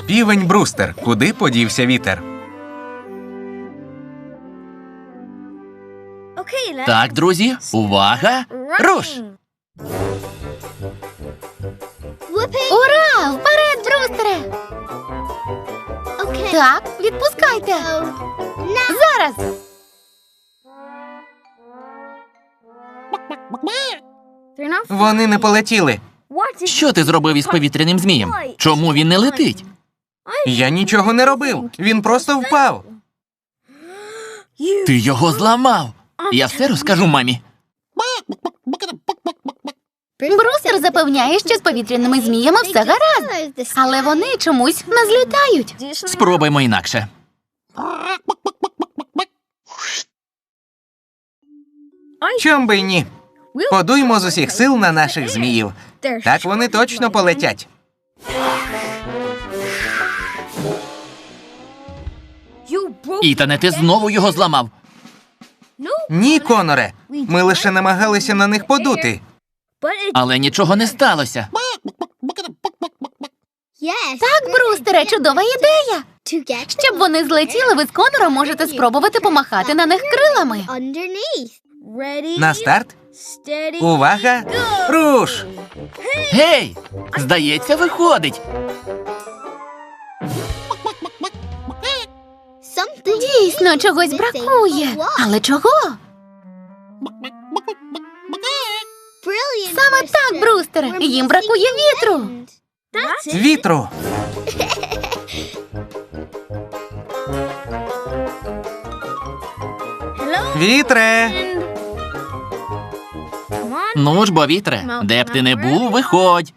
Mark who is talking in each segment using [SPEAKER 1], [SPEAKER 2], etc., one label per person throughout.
[SPEAKER 1] Півень Брустер. Куди подівся вітер?
[SPEAKER 2] Так, друзі, увага! Руш!
[SPEAKER 3] Ура! Вперед, Брустере! Так, відпускайте. Зараз!
[SPEAKER 1] Вони не полетіли.
[SPEAKER 2] Що ти зробив із повітряним змієм? Чому він не летить?
[SPEAKER 1] Я нічого не робив. Він просто впав.
[SPEAKER 2] Ти його зламав. Я все розкажу мамі.
[SPEAKER 3] Брустер запевняє, що з повітряними зміями все гаразд. Але вони чомусь не злітають.
[SPEAKER 2] Спробуймо інакше.
[SPEAKER 1] Чом би й ні? Подуймо з усіх сил на наших зміїв. Так вони точно полетять.
[SPEAKER 2] Ітане, ти знову його зламав.
[SPEAKER 1] Ні, Коноре. Ми лише намагалися на них подути.
[SPEAKER 2] Але нічого не сталося.
[SPEAKER 3] Так, Брустере, чудова ідея. Щоб вони злетіли, ви з Конором можете спробувати помахати на них крилами.
[SPEAKER 1] На старт. Увага! Руш!
[SPEAKER 2] Гей! Здається, виходить.
[SPEAKER 3] Дійсно, чогось бракує. Але чого? Саме так, Брустере. Їм бракує вітру.
[SPEAKER 1] Вітру! Вітре!
[SPEAKER 2] Ну ж бо, вітре, де б ти не був, виходь.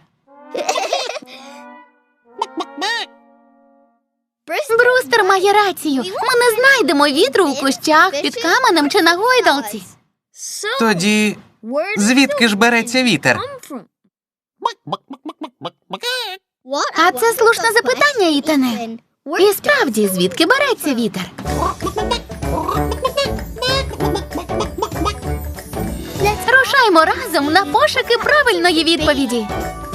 [SPEAKER 3] Брустер має рацію. Ми не знайдемо вітру у кущах, під каменем чи на гойдалці.
[SPEAKER 1] Тоді звідки ж береться вітер?
[SPEAKER 3] А це слушне запитання, Ітане. І справді, звідки береться вітер? Рушаймо разом на пошуки правильної відповіді.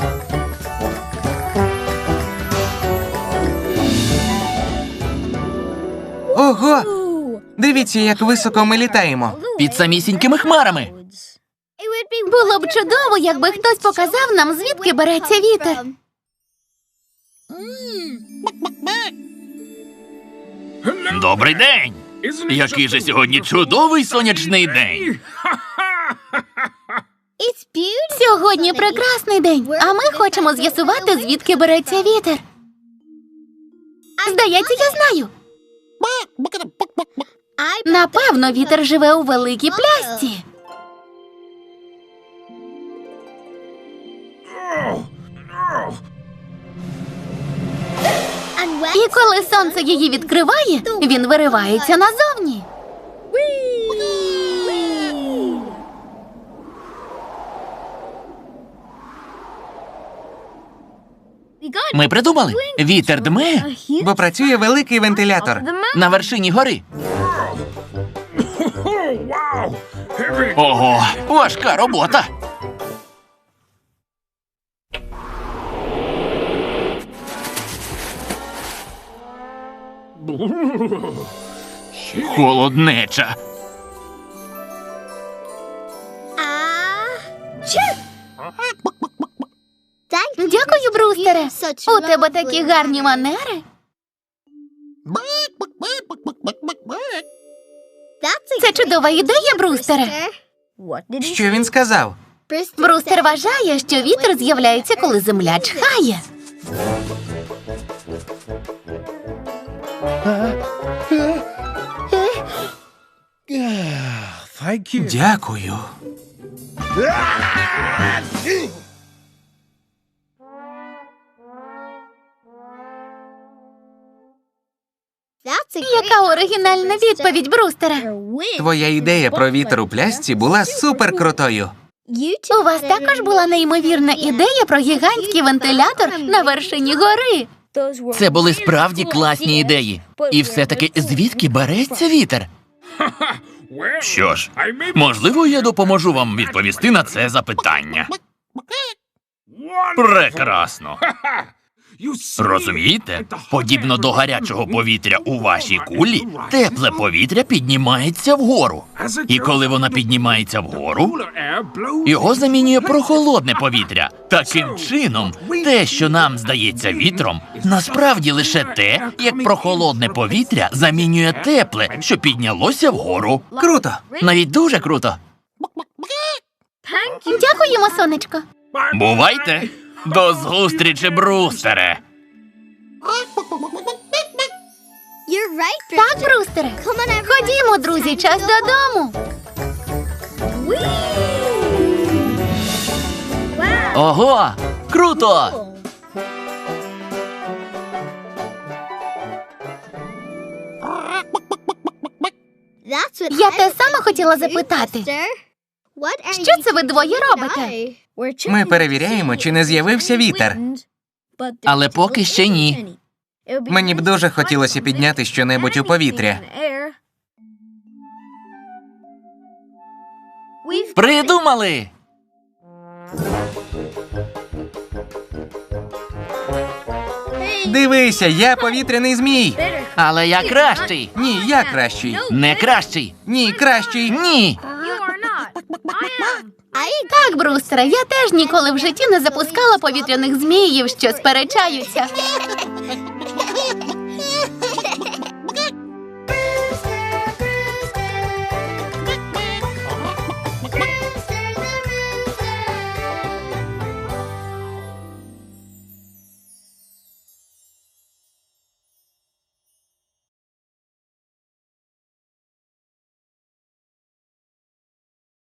[SPEAKER 1] Ого! Дивіться, як високо ми літаємо.
[SPEAKER 2] Під самісінькими хмарами.
[SPEAKER 3] Було б чудово, якби хтось показав нам, звідки береться вітер.
[SPEAKER 2] Добрий день! Який же сьогодні чудовий сонячний день.
[SPEAKER 3] Сьогодні прекрасний день, а ми хочемо з'ясувати, звідки береться вітер. Здається, я знаю. Напевно, вітер живе у великій плясці. І коли сонце її відкриває, він виривається назовні.
[SPEAKER 2] Ми придумали. Вітер дме
[SPEAKER 1] Бо працює великий вентилятор.
[SPEAKER 2] на вершині гори. Ого, важка робота. Холоднеча.
[SPEAKER 3] Дякую, Брустере. У тебе такі гарні манери. Це чудова ідея, Брустере.
[SPEAKER 1] Що він сказав?
[SPEAKER 3] Брустер вважає, що вітер з'являється, коли земля чхає.
[SPEAKER 1] Дякую.
[SPEAKER 3] Яка оригінальна відповідь, Брустере.
[SPEAKER 1] Твоя ідея про вітер у плясці була суперкрутою.
[SPEAKER 3] У вас також була неймовірна ідея про гігантський вентилятор на вершині гори.
[SPEAKER 2] Це були справді класні ідеї. І все-таки звідки береться вітер? Що ж, можливо, я допоможу вам відповісти на це запитання. Прекрасно. Розумієте? Подібно до гарячого повітря у вашій кулі, тепле повітря піднімається вгору. І коли воно піднімається вгору, його замінює прохолодне повітря. Таким чином, те, що нам здається вітром, насправді лише те, як прохолодне повітря замінює тепле, що піднялося вгору.
[SPEAKER 1] Круто.
[SPEAKER 2] Навіть дуже круто.
[SPEAKER 3] Дякуємо, сонечко.
[SPEAKER 2] Бувайте! До зустрічі, Брустере!
[SPEAKER 3] Так, Брустере. Ходімо, друзі, час додому.
[SPEAKER 2] Ого! Круто!
[SPEAKER 3] Я те саме хотіла запитати. Що це ви двоє робите?
[SPEAKER 1] Ми перевіряємо, чи не з'явився вітер.
[SPEAKER 2] Але поки ще ні.
[SPEAKER 1] Мені б дуже хотілося підняти щонебудь у повітря.
[SPEAKER 2] Придумали!
[SPEAKER 1] Дивися, я повітряний змій.
[SPEAKER 2] Але я кращий!
[SPEAKER 1] Ні, я кращий.
[SPEAKER 2] Не кращий!
[SPEAKER 1] Ні, кращий.
[SPEAKER 2] Ні!
[SPEAKER 3] Так, Брустере, я теж ніколи в житті не запускала повітряних зміїв, що сперечаються.